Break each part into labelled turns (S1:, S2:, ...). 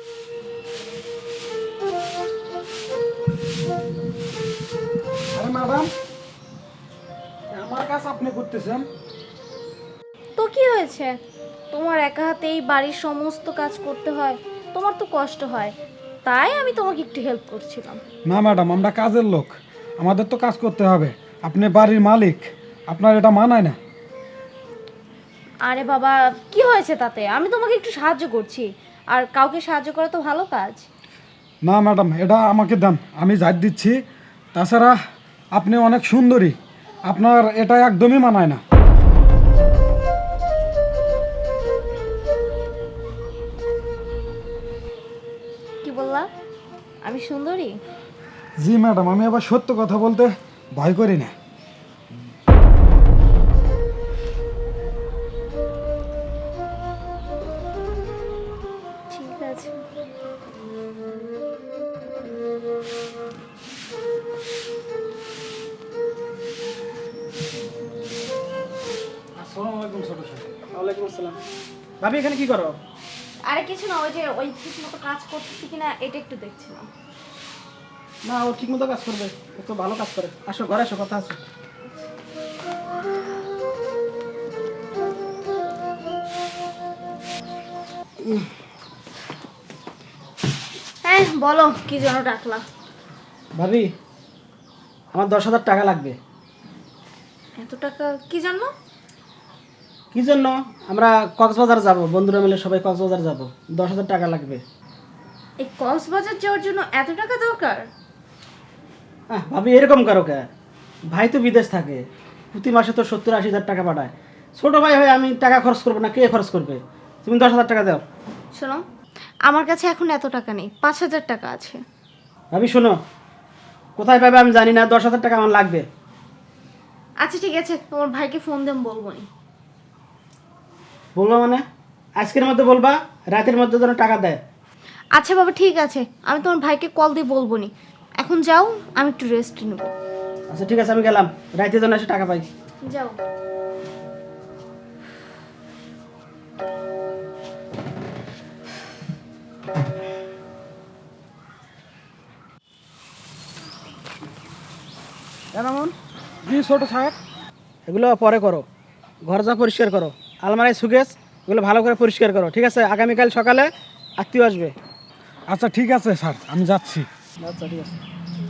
S1: আরে ম্যাডাম, আমার কাজ আপনি করতেছেন?
S2: তো কি হয়েছে? তোমার একা হাতে এই বাড়ির সমস্ত কাজ করতে হয়, তোমার তো কষ্ট হয়, তাই আমি তোমাকে একটু হেল্প করছিলাম।
S1: না ম্যাডাম, আমরা কাজের লোক, আমাদের তো কাজ করতে হবে। আপনি বাড়ির মালিক, আপনার এটা মানায় না।
S2: আরে বাবা, কি হয়েছে তাতে? আমি তোমাকে একটু সাহায্য করছি, আর কাউকে সাহায্য করা তো ভালো কাজ।
S1: না ম্যাডাম, এটা আমাকে দেন, আমি ঝাড় দিচ্ছি। তাছাড়া আপনি অনেক সুন্দরী, আপনার এটা একদমই মানায় না।
S2: কি বললা? আমি সুন্দরী?
S1: জি ম্যাডাম, আমি আবার সত্য কথা বলতে ভয় করি না।
S2: ঠিক আছে।
S1: আসসালামু আলাইকুম ছোট সাহেব।
S3: ওয়ালাইকুম আসসালাম। ভাবি এখানে কি করো?
S2: আরে কিছু না, ওই যে ওই ঠিক মতো কাজ করতেছি কিনা এটা একটু দেখছিলাম।
S3: না, ও ঠিক মতো কাজ করবে, ও তো ভালো কাজ করে। আসো ঘরে আসো, কথা আছে।
S2: হ্যাঁ বলো, কি যেন ডাকলা?
S3: ভাবি, আমার 10,000 টাকা লাগবে।
S2: এত টাকা কি জানো?
S3: কি জন্য? আমরা কক্সবাজার যাব, বন্ধুরা মিলে সবাই কক্সবাজার যাব। 10,000 টাকা লাগবে।
S2: এই কক্সবাজার যাওয়ার জন্য এত টাকা দরকার?
S3: ভাবি এরকম করো কে? ভাই তো বিদেশ থাকে, প্রতি মাসে তো 70-80 হাজার টাকা পাঠায়। ছোট ভাই হয়ে আমি টাকা খরচ করবো না, কে খরচ করবে? তুমি 10,000 টাকা দাও।
S2: শোনো, আমার কাছে এখন এত টাকা নেই, 5,000 টাকা আছে।
S3: ভাবি শোনো, কোথায় পাবে আমি জানি না, 10,000 টাকা আমার লাগবে।
S2: আচ্ছা ঠিক আছে, তোমার ভাইকে ফোন দেন, বলবো নি।
S3: বলবো মানে? আজকের মধ্যে বলবা, রাতের মধ্যে যেন টাকা দেয়।
S2: আচ্ছা বাবা ঠিক আছে, আমি তোমার ভাইকে কল দিয়ে বলবো নি। এখন যাও, আমি একটু রেস্ট নেব।
S3: আচ্ছা ঠিক আছে, আমি গেলাম, রাতে যেন এসে টাকা পাই।
S2: যাও।
S3: এমন
S1: জি ছোট সাহেব।
S3: এগুলো পরে করো, ঘর যা পরিষ্কার করো, আলমারি সুকেস এগুলো ভালো করে পরিষ্কার করো, ঠিক আছে? আগামীকাল সকালে আত্মীয় আসবে।
S1: আচ্ছা ঠিক আছে স্যার, আমি যাচ্ছি।
S3: আচ্ছা ঠিক আছে।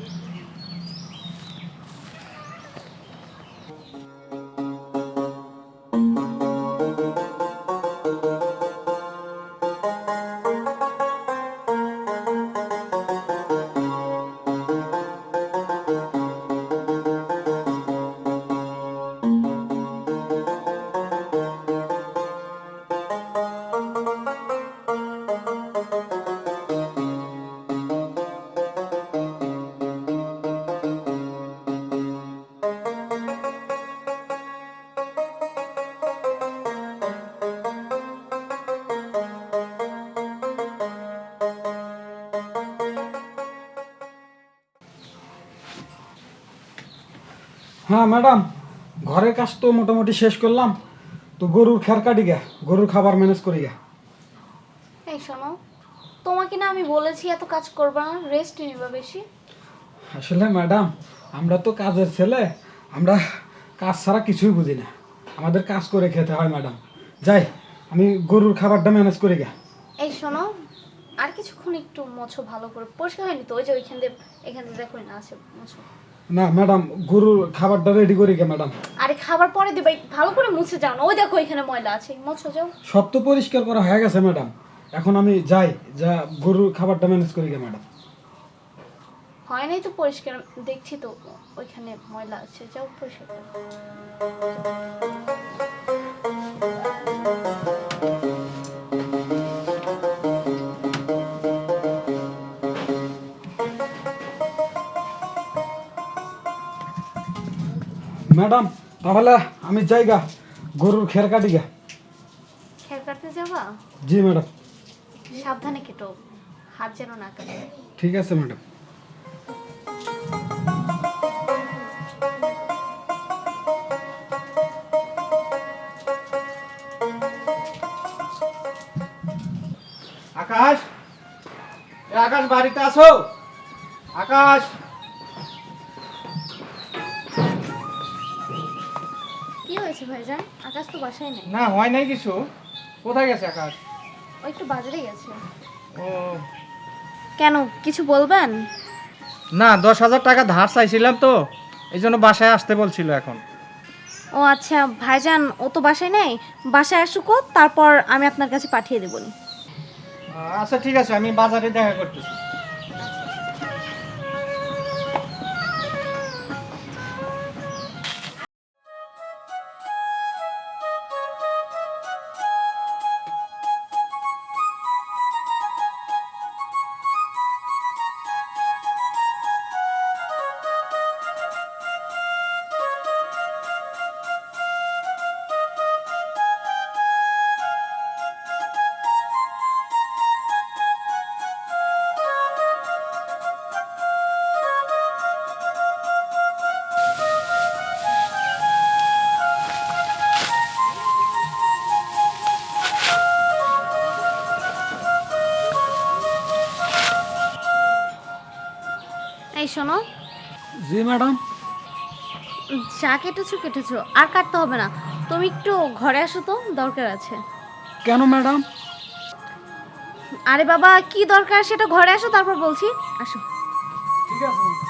S1: হ্যাঁ ম্যাডাম, ঘরের কাজ তো মোটামুটি শেষ করলাম। তো গরুর খের কাটি গে, গরুর খাবার ম্যানেজ করি গে।
S2: এই শোনো, তোমাকে না আমি বলেছি এত কাজ করবা না, রেস্ট নিবা বেশি।
S1: আসলে ম্যাডাম, আমরা তো কাজের ছেলে, আমরা কাজ ছাড়া কিছুই বুঝি না, আমাদের কাজ করে খেতে হয় ম্যাডাম। যাই, আমি গরুর খাবারটা ম্যানেজ করি গে।
S2: এই শোনো, আর কিছুক্ষণ একটু মোছো ভালো করে, পরিষ্কার হয়নি তো, ওই যে ওইখান দিয়ে এখান দিয়ে দেখো না আছে, মোছো।
S1: না ম্যাডাম, গরুর খাবারটা রেডি করি গে ম্যাডাম।
S2: আরে খাবার পরে দিবা, ভালো করে মুছে যাও না, ওই দেখো এখানে ময়লা আছে, মোছো যাও।
S1: সব তো পরিষ্কার করা হয়ে গেছে ম্যাডাম, এখন আমি যাই, যা গরুর খাবারটা ম্যানেজ করি গে ম্যাডাম।
S2: হয় নাই তো পরিষ্কার, দেখছি তো ওইখানে ময়লা আছে, যাও পরিষ্কার করো।
S1: ম্যাডাম তাহলে আমি যাই গা, গরুর খের কাটি গা।
S2: খের কাটতে যাবা?
S1: জি ম্যাডাম।
S2: সাবধানে কেটো, হাত যেন না কাটে।
S1: ঠিক আছে ম্যাডাম।
S3: আকাশ,
S4: আকাশ বাড়িতে আছো? আকাশ,
S2: কি হয়েছে ভাইজান? আকাশ তো বাসায় নেই।
S4: না হয় নাই কিছু। কোথায় গেছে আকাশ?
S2: ও একটু বাজারে গেছে।
S4: ও
S2: কেন, কিছু বলবেন?
S4: না, 10,000 টাকা ধার চাইছিলাম তো, এই জন্য বাসায় আসতে বলছিল এখন।
S2: ও আচ্ছা ভাইজান, ও তো বাসায় নেই, বাসায় আসুকো, তারপর আমি আপনার কাছে পাঠিয়ে দেবনি।
S4: আচ্ছা ঠিক আছে, আমি বাজারে দেখা করতেছি।
S2: এই শোনো,
S1: জি ম্যাডাম।
S2: যা কেটেছো কেটেছো, আর কাটতে হবে না। তুমি একটু ঘরে আসো তো, দরকার আছে।
S1: কেন ম্যাডাম?
S2: আরে বাবা, কি দরকার সেটা ঘরে আসো, তারপর বলছি। আসো।
S1: ঠিক আছে ম্যাডাম।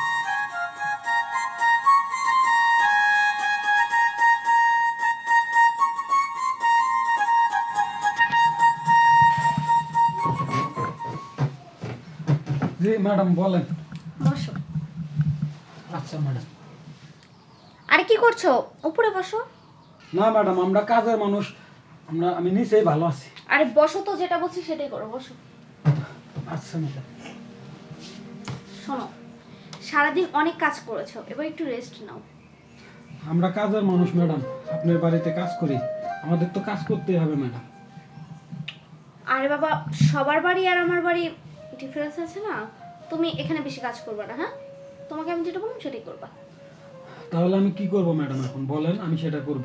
S1: জি ম্যাডাম বলেন।
S2: বসো।
S1: আচ্ছা ম্যাডাম।
S2: আরে কি করছো? উপরে বসো।
S1: না ম্যাডাম, আমরা কাজের মানুষ, আমি নিচেই ভালো আছি।
S2: আরে বসো তো, যেটা বলছি সেটাই করো, বসো।
S1: আচ্ছা ম্যাডাম।
S2: শোনো, সারাদিন অনেক কাজ করেছো, এবার একটু রেস্ট নাও।
S1: আমরা কাজের মানুষ ম্যাডাম, আপনার বাড়িতে কাজ করি, আমাদের তো কাজ করতেই হবে ম্যাডাম।
S2: আরে বাবা, সবার বাড়ি আর আমার বাড়ি ডিফারেন্স আছে না? তুমি এখানে বেশি কাজ করবে না, হ্যাঁ? তোমাকে আমি যেটা বললাম সেটাই করবা।
S1: তাহলে আমি কি করব ম্যাডাম? এখন বলেন, আমি সেটা করব।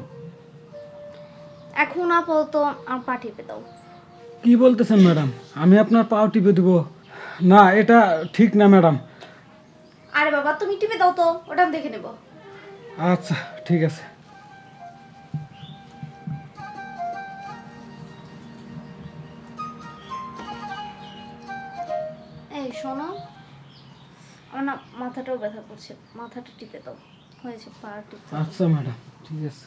S2: এখন আপাতত আমার পা টিপে দাও।
S1: কি বলতেছেন ম্যাডাম? আমি আপনার পাও টিপে দিব? না, এটা ঠিক না ম্যাডাম।
S2: আরে বাবা, তুমি টিপে দাও তো, ওটা আমি দেখে নেব।
S1: আচ্ছা ঠিক আছে।
S2: এই শোনো, আমার না মাথাটাও ব্যথা করছে, মাথাটা টিপে দাও। হয়েছে, পা টিপে দাও।
S1: আচ্ছা ম্যাডাম, ঠিক আছে।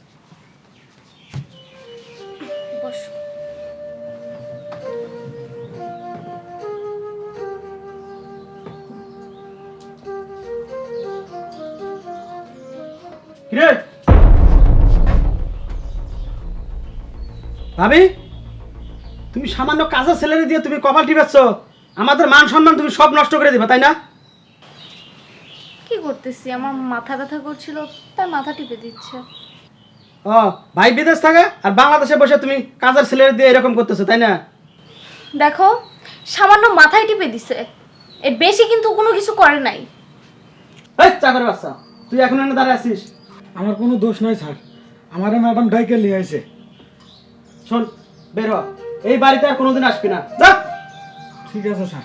S2: বসো।
S3: কিরে ভাবি, তুমি সামান্য কাজের ছেলেরে দিয়ে তুমি কপাল টিপাচ্ছ, আমাদের মান সম্মান তুমি সব নষ্ট করে দিবা, তাই না?
S2: কি করতেছি, আমার মাথা ব্যথা করছিল, তার মাথা টিপে দিচ্ছে।
S3: ও, ভাই বিদেশ থাকে আর বাংলাদেশে বসে তুমি কাজের ছেলেরে দিয়ে এরকম করতেছো, তাই না?
S2: দেখো, সামান্য মাথায় টিপে দিছে, এর বেশি কিন্তু কোনো কিছু করে নাই।
S3: এই চাকরের বাচ্চা, তুই এখন এনে দাঁড়ায় আছিস?
S1: আমার কোনো দোষ নাই স্যার, আমারে ম্যাডাম ডাইকে নিয়ে আইছে।
S3: শোন, বের হ, এই বাড়িতে আর কোনোদিন আসবি না, যা।
S1: ঠিক আছে স্যার।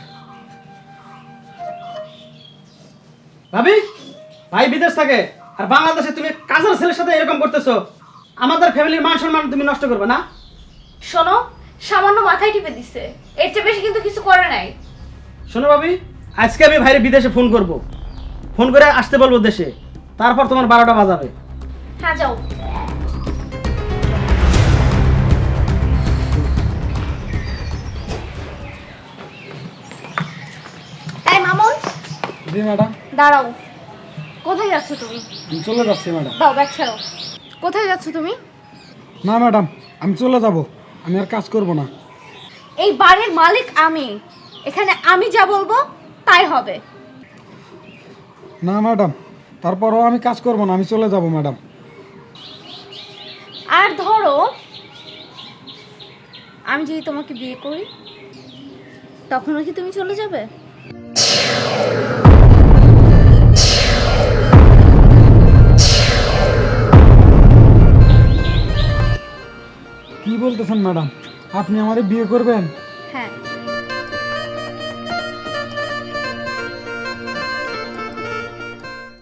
S3: ভাবি, ভাই বিদেশ থাকে আর বাংলাদেশে তুমি কাজের ছেলের সাথে এরকম করতেছো, আমাদের ফ্যামিলির মান সম্মান তুমি নষ্ট করবে না?
S2: শোনো, সামান্য মাথায় টিপে দিছে, এর চেয়ে বেশি কিন্তু কিছু করে নাই।
S3: শোনো ভাবি, আজকে আমি ভাইরে বিদেশে ফোন করব, ফোন করে আসতে বলবো দেশে, তারপর তোমার 12টা বাজাবে।
S2: হ্যাঁ যাও। এই মামুন,
S1: জি ম্যাডাম।
S2: দাঁড়াও। কোথায় যাচ্ছ তুমি?
S1: আমি চলে যাচ্ছি ম্যাডাম।
S2: দাও ব্যাগ ছাড়ো। কোথায় যাচ্ছ তুমি?
S1: না ম্যাডাম, আমি চলে যাব, আমি আর কাজ করব না।
S2: এই বাড়ির মালিক আমি, এখানে আমি যা বলবো তাই হবে।
S1: না ম্যাডাম, তারপরও আমি কাজ করব না, আমি চলে যাব ম্যাডাম।
S2: আর ধরো, আমি যদি তোমাকে বিয়ে করি, তখনও কি তুমি চলে যাবে?
S1: কি বলতেছেন ম্যাডাম? আপনি আমারে বিয়ে করবেন?
S2: হ্যাঁ।